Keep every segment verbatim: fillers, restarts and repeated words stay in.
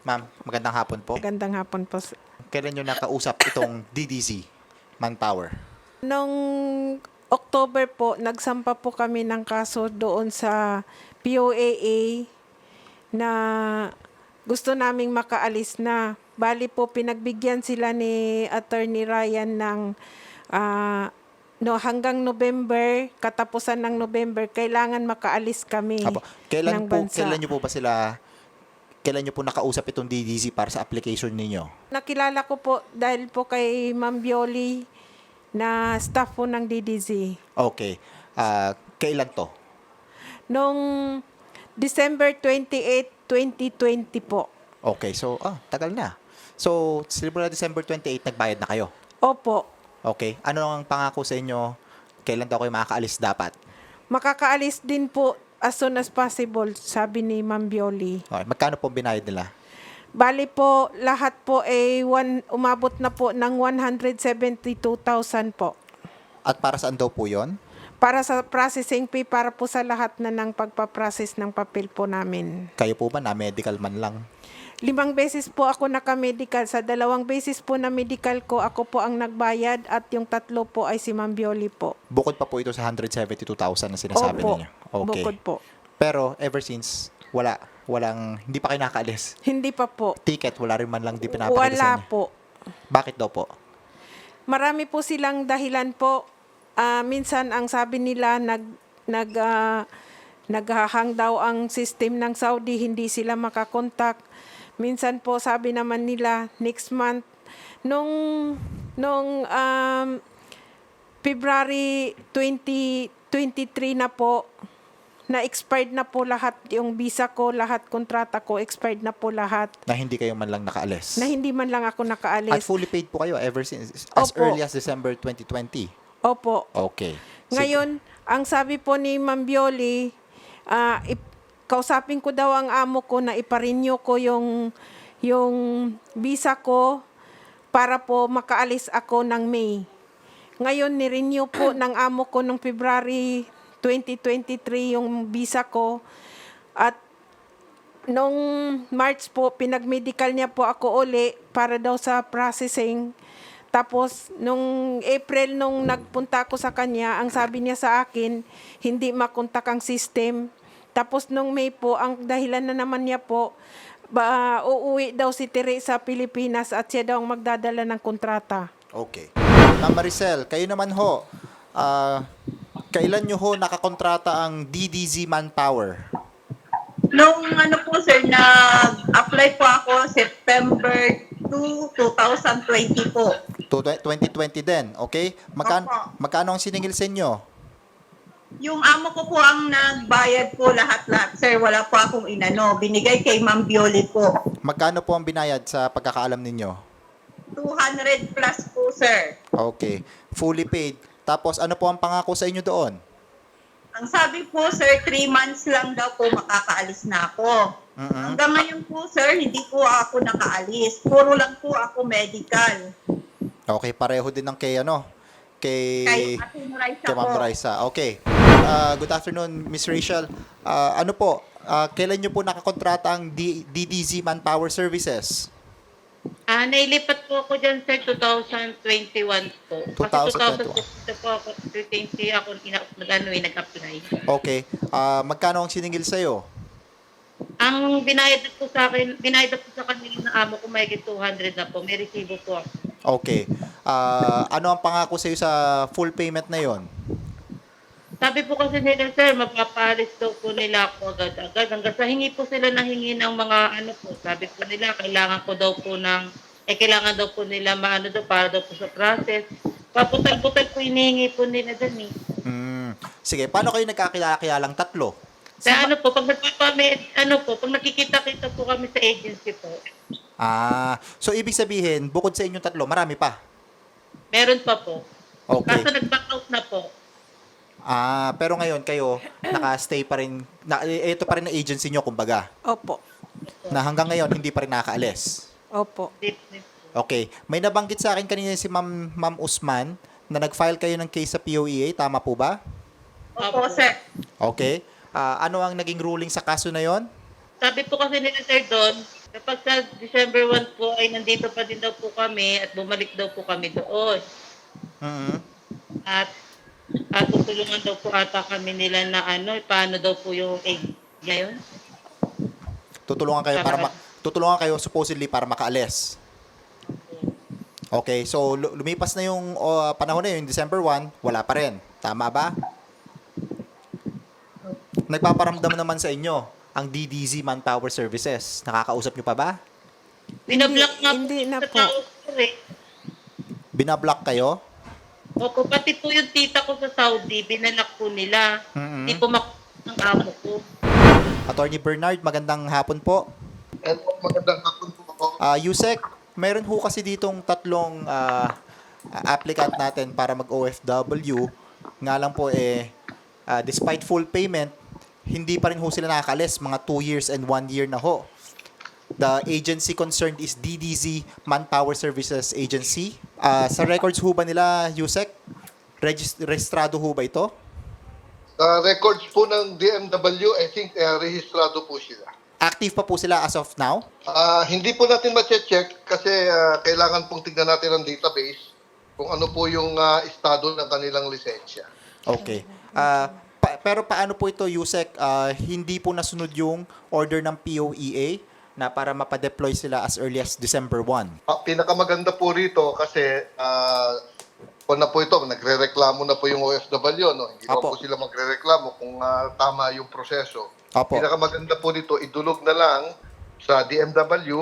Ma'am, magandang hapon po. Magandang hapon po. Kailan nyo nakausap itong D D Z, Manpower? Noong October po, nagsampa po kami ng kaso doon sa P O A A na gusto naming makaalis na. Bali po, pinagbigyan sila ni Attorney Ryan ng ah, no, hanggang November, katapusan ng November, kailangan makaalis kami Apo. Kailan ng po, bansa. kailan nyo po ba sila, kailan nyo po nakausap itong D D Z para sa application ninyo? Nakilala ko po dahil po kay Ma'am Bioli na staff po ng D D Z. Okay. Ah, kailan to? Noong December twenty-eighth, twenty twenty po. Okay, so, ah, tagal na. So, simula December twenty-eighth, nagbayad na kayo? Opo. Okay. Ano ang pangako sa inyo? Kailan daw kayo makakaalis dapat? Makakaalis din po as soon as possible, sabi ni Ma'am Bioli. Okay. Magkano po binayad nila? Bali po, lahat po ay one, umabot na po ng one hundred seventy-two thousand po. At para saan daw po yon? Para sa processing fee, para po sa lahat na ng pagpaprocess ng papel po namin. Kayo po ba na medical man lang? Limang beses po ako naka-medical. Sa dalawang beses po na medical ko, ako po ang nagbayad at yung tatlo po ay si Ma'am Bioli po. Bukod pa po ito sa one hundred seventy-two thousand na sinasabi Opo. ninyo? Okay. Bukod po. Pero ever since, wala. Walang, hindi pa kayo nakaalis. Hindi pa po. Ticket, wala rin man lang di pinapakita sa Wala inyo. po. Bakit daw po? Marami po silang dahilan po. Ah, minsan ang sabi nila nag nag ah, naghahang daw ang system ng Saudi, hindi sila makakontak. Minsan po sabi naman nila next month nung nung um, February twenty twenty-three na po, na expired na po lahat yung visa ko, lahat kontrata ko expired na po lahat. Na hindi kayo man lang nakaalis? Na hindi man lang ako At nakaalis. fully paid po kayo ever since, as Opo. early as December twenty twenty? Opo. Okay. Sige. Ngayon, ang sabi po ni Ma'am Bioli, ah, ip- kausapin ko daw ang amo ko na iparenew ko yung, yung visa ko para po makaalis ako ng May. Ngayon, nirenew po ng amo ko noong February twenty twenty-three yung visa ko. At nung March po, pinag-medical niya po ako uli para daw sa processing. Tapos, nung April, nung nagpunta ako sa kanya, ang sabi niya sa akin, hindi makontak ang system. Tapos, nung May po, ang dahilan na naman niya po, ba, uuwi daw si Tere sa Pilipinas at siya daw ang magdadala ng kontrata. Okay. Ma'am Maricel, kayo naman ho, ah, kailan nyo ho nakakontrata ang D D Z Manpower? Nung ano po sir, nag-apply po ako September two, twenty twenty po. To twenty twenty din, okay? Magkano, Opo. magkano ang siningil sa inyo? Yung amo ko po ang nagbayad po lahat-lahat sir, wala po akong inano. Binigay kay Ma'am Bioli po. Magkano po ang binayad sa pagkakaalam ninyo? two hundred plus po sir. Okay. Fully paid. Tapos ano po ang pangako sa inyo doon? Ang sabi po sir, three months lang daw po makakaalis na ako. Mhm. Hanggang ngayon po sir, hindi po ako nakaalis. Puro lang po ako medical. Okay, pareho din ng kay ano? Kay Kay Ate Raisa kay Ma'am po. Raisa. Okay. Uh, good afternoon, Miss Rachel. Uh, ano po, uh, kailan nyo po nakakontrata ang D- DDZ Manpower Services? Ah, nailipat po ako dyan, sir, twenty twenty-one po. Kasi twenty twenty-one. twenty po ako, twenty ako, ina- nag-ano eh, nag-apply. Okay. Uh, magkano ang siningil sa'yo? Ang binayad na po sa akin, binayad na po sa kanila ng amo ko, may two hundred na po. May resibo po ako. Okay. Uh, ano ang pangako sa'yo sa full payment na yon? Sabi po kasi nila, sir, mapapalis daw po nila ako agad-agad. Hanggang sa hingi po sila ng hingi ng mga ano po. Sabi po nila, kailangan ko daw po ng, eh kailangan daw po nila maano daw para daw po sa process. Paputal-putal po hinihingi po nila dun eh. Hmm. Sige, paano kayo nagkakilala-kilalang tatlo? Sa ano po, pag nagpapamit, ano po, pag nakikita-kita po kami sa agency po, Ah, so ibig sabihin, bukod sa inyong tatlo, marami pa? meron pa po. Okay. Kaso nag-back out na po. Ah, pero ngayon kayo naka-stay pa rin, na, ito pa rin ang agency nyo, kumbaga, Opo. na hanggang ngayon hindi pa rin nakakaalis. Opo. Okay. May nabanggit sa akin kanina si Ma'am, Ma'am Usman na nag-file kayo ng case sa P O E A, tama po ba? Opo sir. Okay. Ah, ano ang naging ruling sa kaso na yon? Sabi po kasi nila, sir, doon, Kapag sa December first po ay nandito pa din daw po kami at bumalik daw po kami doon. Mhm. At at tutulungan daw po ata kami nila na ano, paano daw po yung egg ngayon. Tutulungan kayo para ma- tutulungan kayo supposedly para makaalis. Okay, so lu- lumipas na yung uh, panahon na yun, December first, wala pa rin. Tama ba? Nagpaparamdam naman sa inyo ang D D Z Manpower Services. Nakakausap nyo pa ba? Binablock nga po hindi na sa po. tao ko eh. Binablock kayo? Opo, pati po yung tita ko sa Saudi, binalak po nila. Mhm. Hindi po mak ng amo ko. Attorney Bernard, magandang hapon po. And magandang hapon po. Uh, Yusek, meron ho kasi ditong tatlong ah, applicant natin para mag-O F W. Nga lang po eh, ah, despite full payment, hindi pa rin ho sila nakakalis. Mga two years and one year na ho. The agency concerned is D D Z Manpower Services Agency. Ah, sa records ho ba nila, Yusek? Regis- registrado ho ba ito? Sa records po ng D M W, I think uh, rehistrado po sila. Active pa po sila as of now? Ah, hindi po natin ma-check kasi ah, kailangan pong tignan natin ang database kung ano po yung ah, estado ng kanilang lisensya. Okay. Ah, pa- pero paano po ito, Yusek? Ah, hindi po nasunod yung order ng P O E A na para mapadeploy sila as early as December first. Ah, pinakamaganda po rito kasi ah, kung na po ito, nagre-reklamo na po yung O F W, no? Hindi naman Apo. po sila magre-reklamo kung ah, tama yung proseso. Apo. Pinakamaganda po dito, idulog na lang sa D M W,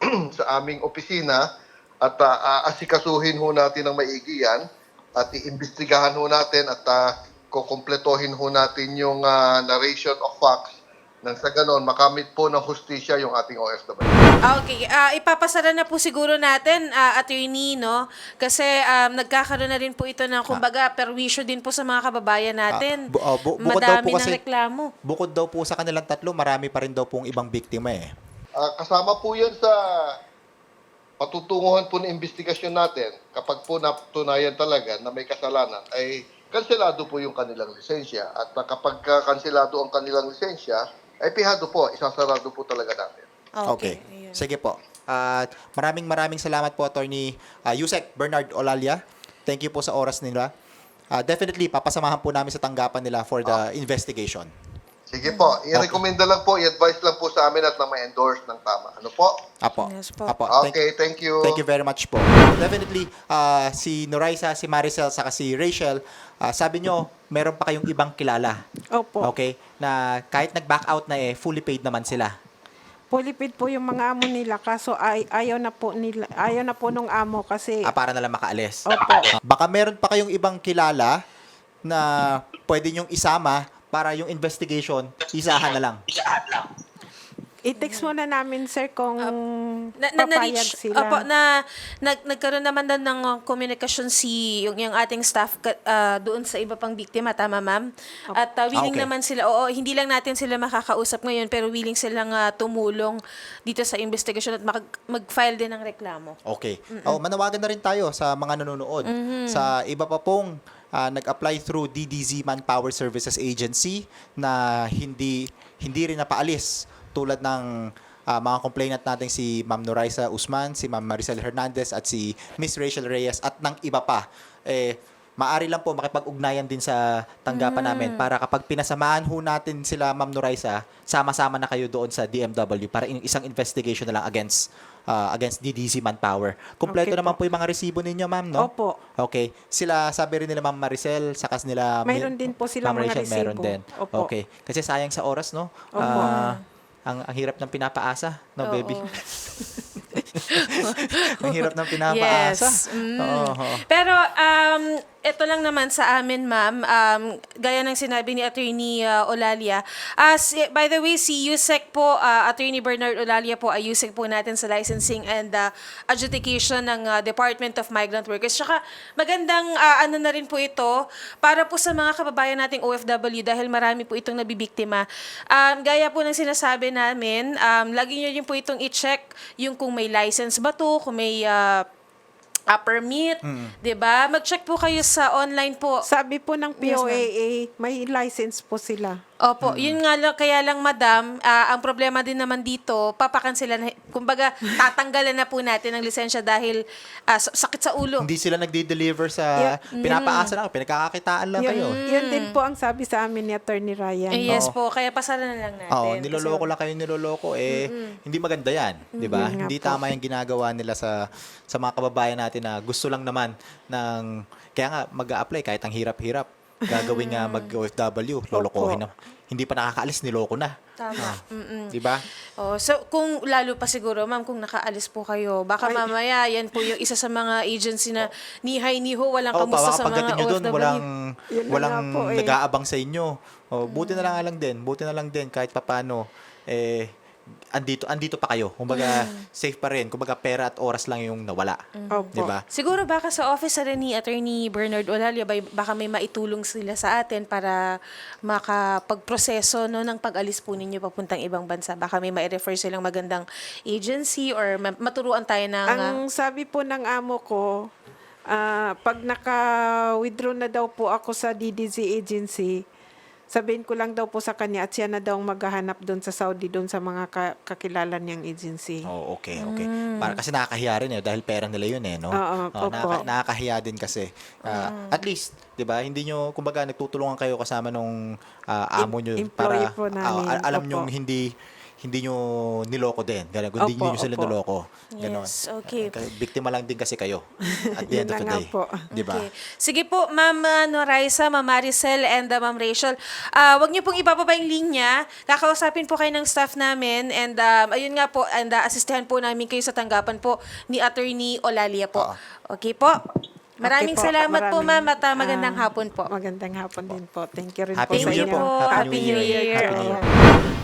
sa aming opisina, at ah, aasikasuhin ho natin ang maigi yan, at iimbestigahan ho natin at uh, kukompletohin ho natin yung ah, narration of facts nang sa ganon makamit po ng hustisya yung ating O F W. Ah, Okay, ah, ipapasara na po siguro natin, ah, attorney, no? Kasi um, nagkakaroon na rin po ito ng, kumbaga, perwisyo din po sa mga kababayan natin. Ah, bu- ah, bu- bukod daw Madami po kasi- ng reklamo. Bukod daw po sa kanilang tatlo, marami pa rin daw pong ibang biktima eh. Ah, kasama po yan sa patutunguhan po ng investigasyon natin. Kapag po natunayan talaga na may kasalanan, ay kanselado po yung kanilang lisensya. At ah, kapag ah, kanselado ang kanilang lisensya, ay pihado po, isasarado po talaga natin. Okay. ayun. Sige po. At maraming maraming salamat po, Attorney uh, Yusek Bernard Olalia. Thank you po sa oras nila. Ah, definitely, papasamahan po namin sa tanggapan nila for the investigation. Sige po, i-recommenda lang po, i-advise lang po sa amin at na ma-endorse ng tama. Ano po? Apo. Yes po. Apo. Thank- Okay, thank you. Thank you very much po. Definitely, ah, si Noraisa, si Maricel, saka si Rachel, ah, sabi nyo, meron pa kayong ibang kilala. Opo. Okay? Na kahit nag-back out na eh, fully paid naman sila. Pulipid po yung mga amo nila kaso ay, ayaw na po nila ayaw na po nung amo kasi Ah, para na lang makaalis. Opo. Baka meron pa kayong ibang kilala na pwede nyong isama para yung investigation, isahan na lang. i-text muna namin sir kung Na, na, papayag na-reach, sila. opo, na, nag, nagkaroon naman din ng uh, komunikasyon si yung, yung ating staff ka- uh, doon sa iba pang biktima, tama ma'am? At uh, willing Ah, okay. naman sila, oo, hindi lang natin sila makakausap ngayon, pero willing silang uh, tumulong dito sa investigasyon at mag- mag-file din ng reklamo. Okay. Oh, manawagan na rin tayo sa mga nanonood. Sa iba pa pong ah, nag-apply through D D Z Manpower Services Agency na hindi hindi rin napaalis tulad ng ah, mga complainant natin si Ma'am Noraisa Usman, si Ma'am Maricel Hernandez at si Miss Rachel Reyes at ng iba pa. Eh maari lang po makipag-ugnayan din sa tanggapan namin para kapag pinasamahan ho natin sila Ma'am Noraisa, sama-sama na kayo doon sa D M W para in- isang investigation na lang against ah, against D D Z Manpower. Kumpleto Okay naman po. po yung mga resibo ninyo, ma'am, no? Opo. Okay. Sila, sabi rin nila Ma'am Maricel, sakas nila... Mayroon din po silang Ma'am mga Rachel, meron resibo. din. Opo. Okay. Kasi sayang sa oras, no? Opo. Ah, ang, ang hirap ng pinapaasa, no, Oo. baby? Ang hirap ng pinapaasa. Yes. Mm. Oo. Pero um ito lang naman sa amin, ma'am, um, gaya ng sinabi ni Attorney uh, Olalia. Uh, si- by the way, si Yusek po, uh, Attorney Bernard Olalia po, ay Yusek po natin sa licensing and uh, adjudication ng uh, Department of Migrant Workers. Tsaka magandang uh, ano na rin po ito para po sa mga kababayan nating O F W dahil marami po itong nabibiktima. Um, gaya po ng sinasabi namin, um, lagi nyo rin po itong i-check yung kung may license ba to, kung may uh, uh, permit, 'di ba? Mag-check po kayo sa online po. Sabi po ng P O A A, Yes, may license po sila. Opo, yun nga lang, kaya lang madam, ah, ang problema din naman dito, papakansilan, na- kumbaga tatanggalan na po natin ang lisensya dahil ah, sa- sakit sa ulo. Hindi sila nagde-deliver sa pinapaasa lang, pinagkakakitaan lang Yun, kayo. yun din po ang sabi sa amin ni Attorney Ryan. Eh, yes Oo. po, kaya pasalan na lang natin. Oo, Kasi- niloloko lang kayo niloloko eh hindi maganda 'yan, 'di ba? Yun nga Hindi po. tama 'yung ginagawa nila sa sa mga kababayan natin na gusto lang naman ng kaya nga mag-a-apply kahit ang hirap-hirap. Gagawin nga mag-O F W, lolokohin na. Hindi pa nakakaalis, niloko na. Tama. Mm-mm. 'Di ba? Oh, so kung lalo pa siguro, ma'am, kung nakaalis po kayo, baka mamaya yan po yung isa sa mga agency na ni hi ni ho, walang Oo, kamusta sa pagdating mga nyo O F doon, W. walang, Yun na walang nga po eh. nag-aabang sa inyo. O, buti na lang nga lang din, buti na lang din, kahit papano, eh, andito, andito pa kayo. Kumbaga, safe pa rin. Kumbaga, pera at oras lang yung nawala. Opo. Di ba? Siguro baka sa office na rin ni Attorney Bernard Olalia, bay- baka may maitulong sila sa atin para makapagproseso no, ng pag-alis po ninyo papuntang ibang bansa. Baka may ma-refer silang magandang agency or ma- maturuan tayo ng... ah, Ang sabi po ng amo ko, ah, pag naka-withdraw na daw po ako sa D D Z agency, sabihin ko lang daw po sa kanya at siya na daw maghahanap doon sa Saudi, doon sa mga ka- kakilala niyang agency. Oh, okay, okay. Para kasi nakakahiya rin eh dahil pera nila yun eh, no? Oo, Oh, opo. nakaka- nakakahiya din kasi. Ah, At least, 'di ba? Hindi nyo kumbaga nagtutulungan kayo kasama nung ah, amo nyo Em- para employee po ah, namin. al- alam Opo. nyo hindi hindi nyo niloko din. Ganun, hindi Opo, nyo sila opo. niloko. Ganon. Yes, okay. Kaya biktima lang din kasi kayo at the Yun end of na the nga day. po. 'Di ba? Okay. Sige po, Ma'am uh, Noraisa, Ma'am Maricel, and uh, Ma'am Rachel. Ah, wag niyo pong ibababa yung linya. Kakausapin po kayo ng staff namin. And um, ayun nga po, and uh, asistehan po namin kayo sa tanggapan po ni Attorney Olalia po. Oo. Okay po? Maraming Okay po, salamat po, maraming, Ma'am, at uh, magandang ah, hapon po. Magandang hapon din po. Thank you rin Happy po New sa Year inyo. po. Happy New Year. Happy New po. Year.